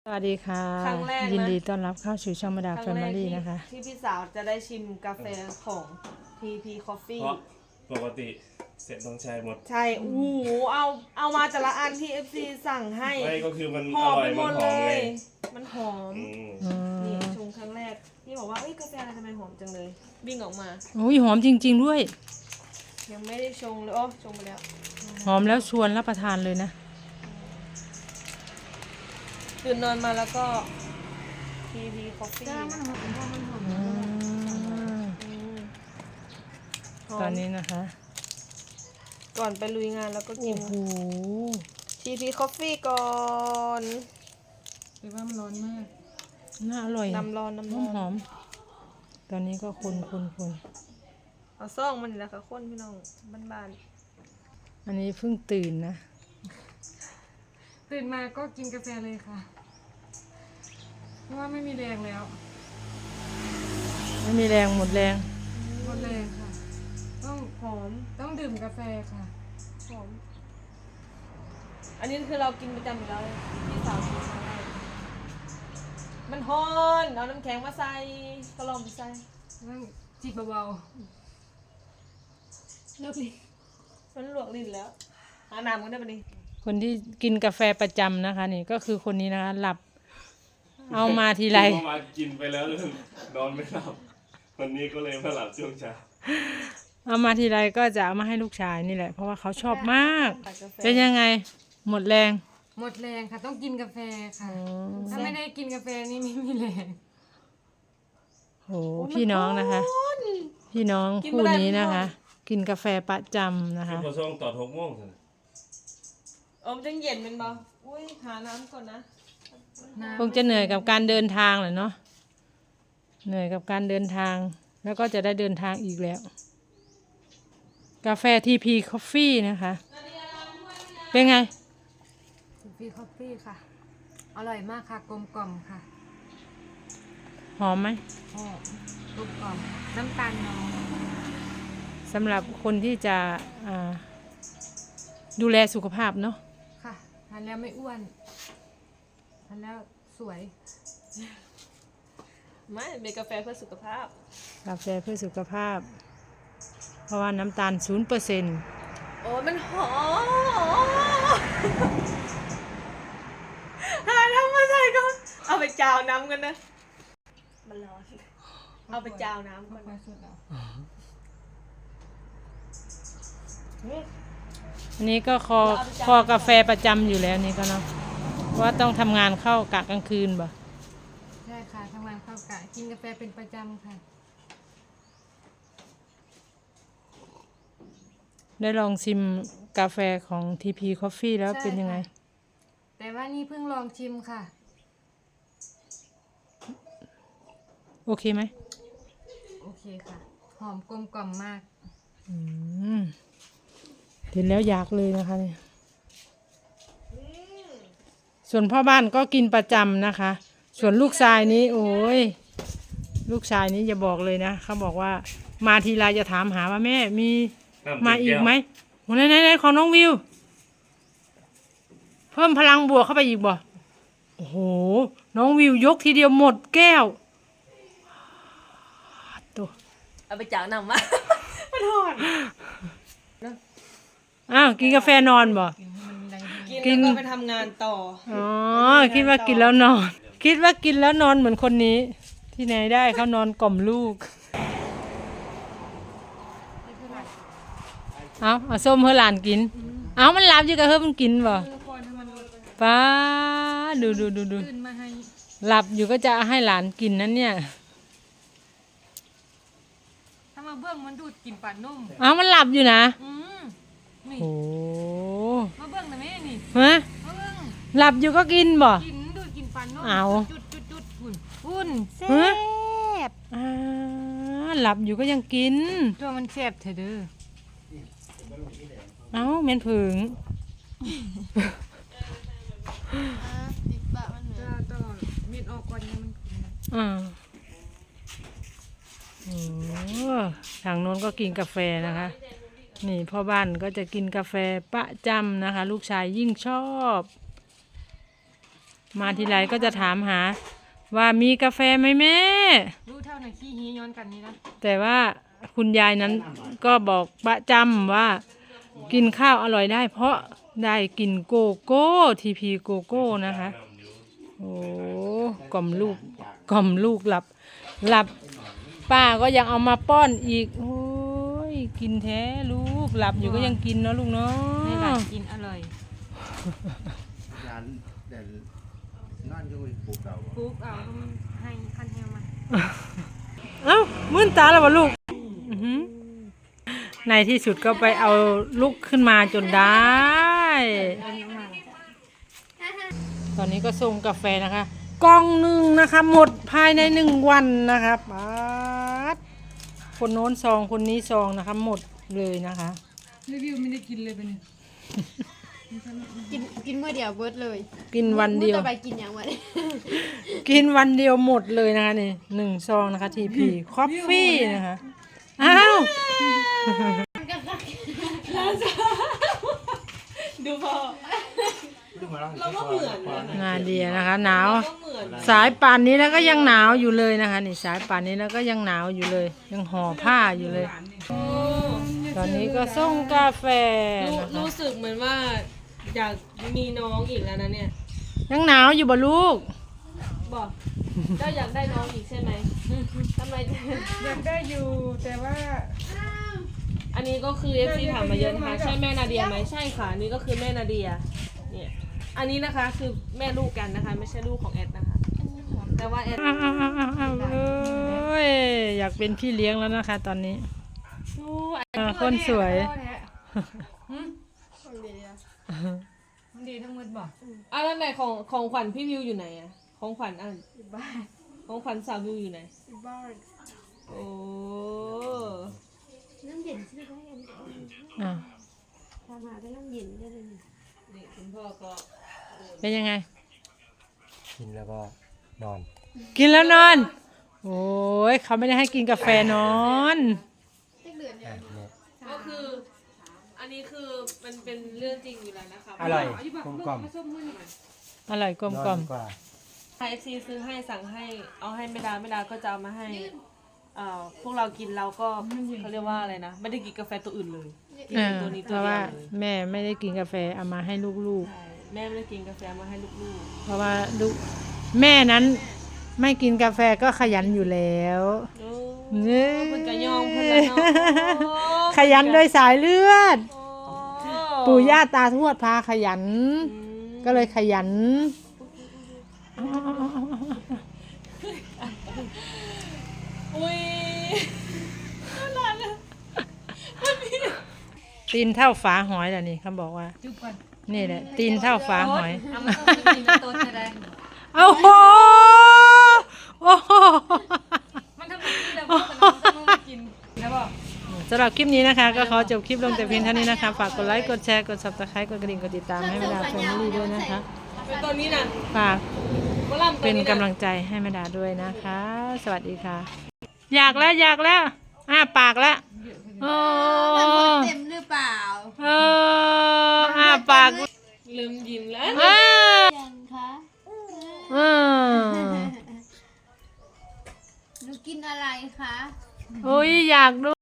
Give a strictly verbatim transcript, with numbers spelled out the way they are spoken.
สวัสดีค่ะครั้งแรกนะยินดีต้อนรับเข้าสู่ช่องมาดาครั้แฟงแรมิกลี่ที่นะคะที่พี่สาวจะได้ชิมกาแฟของ ที พี Coffee เพราะปกติเสร็จต้องใช้หมดใช่โอ้โหเอาเอามาแต่ละอันที่ เอฟ ซี สั่งให้ไม่ก็คือมันหออมร่อไปยหมมันดหเลอมไงย มันหอมอืมอืนี่มชงครั้งแรกพี่บอกว่าเอ้ยกาแฟอะไรทำไมหอมจังเลยวิ่งออกมาโอ้ยหอมจริงๆด้วยยังไม่ได้ชงเลยโอ้ชงไปแล้วหอมแล้วชวนรับประทานเลยนะตื่นนอนมาแล้วก็ ที พี Coffee อืมอืมหอมตอนนี้นะคะก่อนไปลุยงานแล้วก็กิโอ้นโหที พี Coffee ก่อนแต่ว่ามันร้อนมากน่าอร่อยน้ำร้อนน้ำหร้ออมนหอมตอนนี้ก็คนคนคนเอาซ่องมันนี่แหละค่ะคนพี่น้องบ้านอันนี้เพิ่งตื่นนะตื่นมาก็กินกาแฟเลยค่ะ เพราะว่าไม่มีแรงแล้วไม่มีแรงหมดแรงหมดแรงค่ะ ต้องๆหอมต้องดื่มกาแฟค่ะหอม อันนี้คือเรากินประจำอยู่แล้วเลยพี่สาวกินครั้งแรกมันฮอนเอาน้ำแข็งมาใส่ก็ลองไปใส่ต้องจิบเบาเลิกลิ้นมันลวกลิ้นแล้วหาน้ำกันได้ปะนี่คนที่กินกาแฟประจำนะคะ นี่ก็คือคนนี้นะคะ หลับ เอามาทีไรเมื่อวานกินไปแล้วเรื่องนอนไม่หลับวันนี้ก็เลยมาหลับช่วงเช้าเอามาทีไรก็จะเอามาให้ลูกชายนี่แหละ เพราะว่าเขาชอบมากตัดกาแฟเป็นยังไง หมดแรงๆ หมดแรงค่ะ ต้องกินกาแฟค่ะอ๋อถ้าไม่ได้กินกาแฟนี่ไม่มีแรงโหพี่น้องนะคะ พี่น้องคู่นี้นะคะ กินกาแฟประจำนะคือคะพอช่วงต่อหกโมงสิเออมันจะเย็นเป็นบ่อุ้ยหาน้ำก่อนนะน้ำคงจะเหนื่อยกับการเดินทางแหละเนาะเหนื่อยกับการเดินทาง แล้วก็จะได้เดินทางอีกแล้ว กาแฟ ที พี Coffee นะคะ เป็นไงฟีคอฟฟี่ค่ะ อร่อยมากค่ะ กลมกล่อมค่ะหอมไหมหอมกลมกล่อม น้ำตาลน้อยสำหรับคนที่จะอ่าดูแลสุขภาพเนาะค่ะทานแล้วไม่อ้วนทานแล้วสวยไม่เป็นกาแฟเพื่อสุขภาพกาแฟเพื่อสุขภาพ เพราะว่าน้ำตาล ศูนย์เปอร์เซ็นต์โอ้ยมันหอมหาน้ำมาใส่ก่อนเอาไปจาวน้ำกันนะ มันร้อน เอาไปจาวน้ำก่อนค่อยๆสุดเอาอันนี้ก็คอคอกาแฟประจำอยู่แล้วนี่ก็เนาะเพราะว่าต้องทำงานเข้ากะกลางคืนบ่ใช่ค่ะทำงานเข้ากะกินกาแฟเป็นประจำค่ะได้ลองชิมกาแฟของ ที พี Coffee แล้วใช่เป็นยังไงค่ะ แต่ว่านี่เพิ่งลองชิมค่ะโอเคไหมโอเคค่ะ หอมกลมกล่อมมากอืมเห็นแล้วอยากเลยนะคะเนี่ยส่วนพ่อบ้านก็กินประจำนะคะ ส่วนลูกชายนี้ โอ้ยลูกชายนี้อย่าบอกเลยนะเขาบอกว่ามาทีไรจะถามหาว่าแม่มีน้ำมาเต็อีกแวไหมโอ้ไหนไหนไหนของน้องวิว เพิ่มพลังบวกเข้าไปอีกบ่โอ้โหน้องวิวยกทีเดียวหมดแก้วตัวเอาไปจาวน้ำมา มันหอนอ้าวกินกาแฟนอนบ่กินกินแล้วก็ไปทำงานต่ออ๋อคิดว่ากินแล้วนอน คิดว่ากินแล้วนอนเหมือนคนนี้ ที่ไหนได้เขานอนกล่อมลูก เอาเอาส้มเพื่อหลานกิน เอามันหลับอยู่กับเพื่อมันกินบ่เออพอถ้ามันป้าดูดูดูดูตื่นมาให้หลับอยู่ก็จะให้หลานกินนั่นเนี่ยถ้ามาเบื้องมันดูดกลิ่นปลานุ่มเอามันหลับอยู่นะอืมนี่โอ้มาเบื้องนะแม่นี่ฮะมาเบื้องหลับอยู่ก็กินบ่กินดูดกลิ่นปลานุ่มเอาจุดจุดจุดฝุ่นฝุ่นแซ่ฮะบอ่าหลับอยู่ก็ยังกินตัวมันแซ่บเถอะเด้อเอ้าเม็นผึ่งจ้าต่อมีดออกก่อนยังมันกินอ่าโอ้ทางโน้นก็กินกาแฟนะคะ นี่พ่อบ้านก็จะกินกาแฟประจำนะคะ ลูกชายยิ่งชอบมาทีไรก็จะถามหาว่ามีกาแฟไหมแม่รู้เท่าไหนขี้ฮีย้อนกันนี่นะแต่ว่าคุณยายนั้นก็บอกประจำว่ากินข้าวอร่อยได้ เพราะได้กินโกโก้ทีพีโกโก้นะคะโอ้กล่อมลูกกล่อมลูกหลับหลับป้าก็ยังเอามาป้อนอีกโอ้ยกินแท้ลูกหลับอยู่ก็ยังกินเนาะลูกเนานี่หลาะนกินอร่อยยานเด่นนอนอยู่ปลูกเก่าปุ๊บเอาต้องให้คันแฮงมาเอ้ามื่นตาแล้ววะลูกอื้อหือในที่สุดก็ไปเอาลูกขึ้นมาจนได้ ตอนนี้ก็ส่งกาแฟนะคะกล่องหนึ่งนะคะ หมดภายในหนึ่งวันนะคะป๊าดคนโน้นซองคนนี้ซองนะคะหมดเลยนะคะรีวิวไม่ได้กินเลยเป็นกินกินเมื่อเดียวเบิร์ดเลยกินวันเดียวมื้อต่อไปกินอย่างวันกินวันเดียวหมดเลยนะคะนี่หนึ่งซองนะคะทีพีคอฟฟี่นะคะอ้าวดูพอ เราก็เหมือนนะนาเดียนะคะหนาวก็เหมือนสายป่านนี้แล้วก็ยังหนาวอยู่เลยนะคะนี่สายป่านนี้แล้วก็ยังหนาวอยู่เลย ยังห่อผ้าอยู่เลย ตอนนี้ก็ส่งกาแฟรู้นะคะรู้สึกเหมือนว่าอยากมีน้องอีกแล้วนะเนี่ยยังหนาวอยู่บ่ลูกบอกก็อยากได้น้องอีกใช่ไหมทำไมอยากได้อยู่แต่ว่าอันนี้ก็คือ เอฟ ซี ถามมาเยอะนะคะใช่แม่นาเดียไหมใช่ค่ะอันนี่ก็คือแม่นาเดียเนี่ยอันนี้นะคะคือแม่ลูกกันนะคะ ไม่ใช่ลูกของแอดนะคะ แต่ว่าแอดอ้าวอ้าวอ้าวอ้าวเอ้ยอยากเป็นพี่เลี้ยงแล้วนะคะ ตอนนี้สู้เออคนสวยมันดีทั้งหมดบ่อ่ะแล้วไหนของของขวัญพี่วิวอยู่ไหนอะของขวัญอ่ะของขวัญสาววิวอยู่ไหนบ้านโอ้น้ำเย็นใช่ไหมกันอ่าทำมาก็น้ำเย็นได้เลยนี่คุณพ่อก็เป็นยังไงกินแล้วก็นอนกินแล้วนอน โอ้ยเขาไม่ได้ให้กินกาแฟนอนก็คือ อันนี้คือมันเป็นเรื่องจริงอยู่แล้วนะคะอร่อยกลมกล่อมอร่อยกลมนกล่ออมนกว่าเอฟซีซื้อให้สั่งให้เอาให้ไม่ดาไม่ดาก็จะเอามาให้เอ่อพวกเรากินเราก็เขาเรียกว่าอะไรนะไม่ได้กินกาแฟตัวอื่นเลยกินเออตัวนี้เพตัวราะเดีว่ายวเลยแม่ไม่ได้กินกาแฟเอามาให้ลูกใช่แม่ไม่ได้กินกาแฟมาให้ลูกๆ เพราะว่าลูกแม่นั้นไม่กินกาแฟก็ขยันอยู่แล้วๆโอ้เน่เพิ่นก็ยอมเพิ่นแล้วเนาะโอ้ขยันโดยสายเลือดโอ้ปู่ย่าตาทวดพาขยันอืมก็เลยขยันอุ้ยตีนเท่าฝาหอยแหละนี่เขาบอกว่าจุ๊บก่อนนี่แหละ ตีนเท่าฝาหอยเอามาต้องกินน้ำต้นจะได้โอ้โหโอ้โหมันทำไมที่เราพูดกันเราต้องมากินแล้วบอกสำหรับคลิปนี้นะคะ ก็ขอจบคลิปลงแต่เพียงเท่านี้นะคะ ฝากกดไลค์ กดแชร์ กด ซับสไครบ์ กดกระดิ่ง กดติดตามให้แม่ดาแฟมิลี่ด้วยนะคะเป็นตัวนี้น่ะฝากบ่ล่ำตัวเป็นนี้กำลัน่ะงใจให้แม่ดาด้วยนะคะ สวัสดีค่ะ อยากแล้วอยากแล้วอ้าปากแล้วโอ้เต็มหรือเปล่าเอออ้าปากลืมยิ้มแล้วเออยังคะเออหนูกินอะไรคะโอ้ยอยากดู